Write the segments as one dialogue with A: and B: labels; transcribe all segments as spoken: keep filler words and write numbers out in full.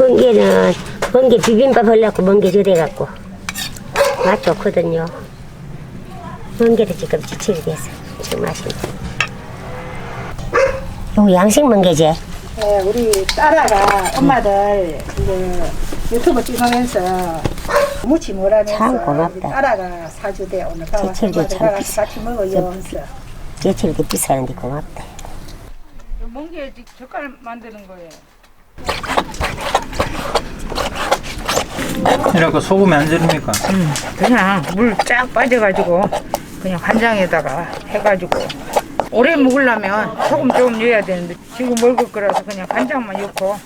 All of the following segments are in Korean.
A: 멍게는 멍게 비빔밥 하려고 멍게 저대갖고 맛 좋거든요. 멍게도 지금 지치게 돼서 지금 맛있네. 이거 양식 멍게지?
B: 네, 우리 딸아가 엄마들 이제 유튜브 찍으면서 무치 뭐라면서
A: 참 고맙다.
B: 우리 딸아가 사주대 오늘 가서
A: 제철도 참
B: 엄마들
A: 비싸.
B: 같이 먹어요. 하면서.
A: 제철 이렇게 비싸는데 고맙다.
C: 멍게 젓갈 만드는 거예요.
D: 이렇게 소금이 안 들으니까.
C: 음, 그냥 물 쫙 빠져가지고 그냥 간장에다가 해가지고 오래 먹으려면 소금 좀 넣어야 되는데 지금 먹을 거라서 그냥 간장만 넣고.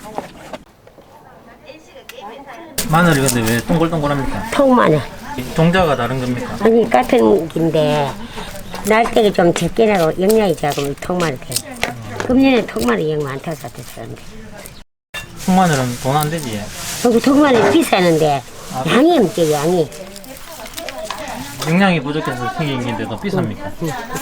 D: 마늘이 근데 왜 동글동글합니까?
A: 통마늘.
D: 종자가 다른 겁니까?
A: 아니 같은 긴데 날때가 좀 적게 나고 영양이 작으면 통마늘 돼. 금년에 통마늘 영 많다고 샀었는데.
D: 통마늘은 돈 안 되지.
A: 여기 통마늘 비싸는데 양이 없지 양이.
D: 영양이 부족해서 생긴 게인데도 비쌉니까?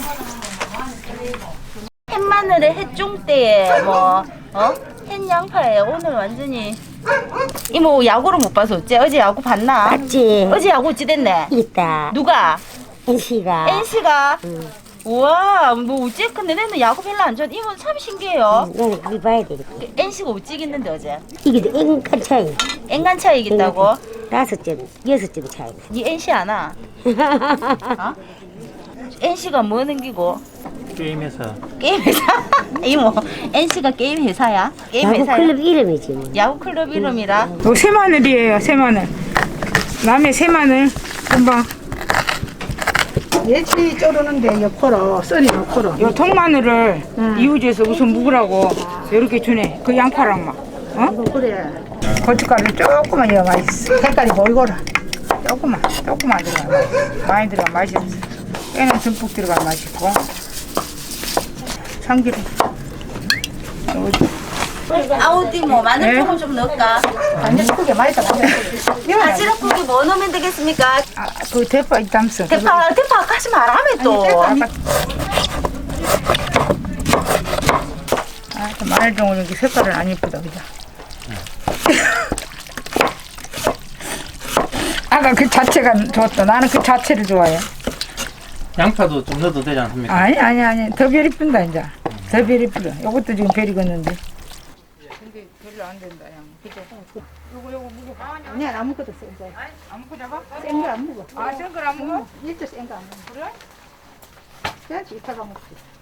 E: 햇마늘에 햇종대에 뭐 어? 햇양파에 오늘 완전히 이모 야구를 못 봐서 어째? 어제 야구 봤나?
A: 맞지?
E: 어제 야구 어찌 됐네?
A: 있다.
E: 누가?
A: 엔씨가.
E: 엔씨가?
A: 응.
E: 우와 뭐 어째? 근데 내는 야구 별로 안 좋아. 이모 참 신기해요.
A: 너는 그걸 봐야 되겠다.
E: 엔씨가 어찌 이겼는데 어제?
A: 이게 앵간 차이.
E: 앵간 차이 이긴다고?
A: 다섯 점, 여섯 점 차이.
E: 니 엔씨 아나? 어? 엔씨가 뭐 넘기고?
D: 게임 회사.
E: 게임 회사? 이모 엔씨가 게임 회사야? 게임
A: 야구
E: 회사야?
A: 클럽 이름이지 뭐.
E: 야구 클럽 이름이라?
C: 요 새마늘이에요, 새마늘. 남의 새마늘 금방.
B: 예치 쪼르는데 옆으로 썰이 옆으로.
C: 요 통마늘을 이웃에서 우선 묵으라고 이렇게 주네. 그 양파랑 막. 어?
B: 이거 그래.
C: 고춧가루 조금만 넣어 맛있어.
B: 색깔이 보이거라.
C: 조금만, 조금만 들어가. 많이 들어가 맛이 없어. 깨는 듬뿍 들어가 맛있고. 참기름.
E: 아우디 뭐 마늘
C: 네?
E: 조금 좀 넣을까?
B: 완전 크게 맛있다.
E: 바지락국이 뭐 넣으면 되겠습니까?
C: 아, 그 대파 있담서.
E: 대파, 대파 하지 말라며 또.
C: 아, 마늘 종은 이렇게 색깔은 안 예쁘다, 그죠? 아까 그 자체가 좋았다. 나는 그 자체를 좋아해.
D: 양파도 좀 넣어도 되지 않습니까?
C: 아니, 아니, 아니. 더 별 이쁜다, 이제. 더 별 이쁘다. 요것도 지금 별 익었는데. 근데 별로 안 된다, 양. 그죠? 요거, 요거 무거.
B: 아니야 아무것도 센 거.
C: 아무거 잡아?
B: 센거 안 먹어.
C: 아, 센 걸 안 먹어?
B: 일도 센거 안 먹어.
C: 그래?
B: 그래야지 이따가 먹지.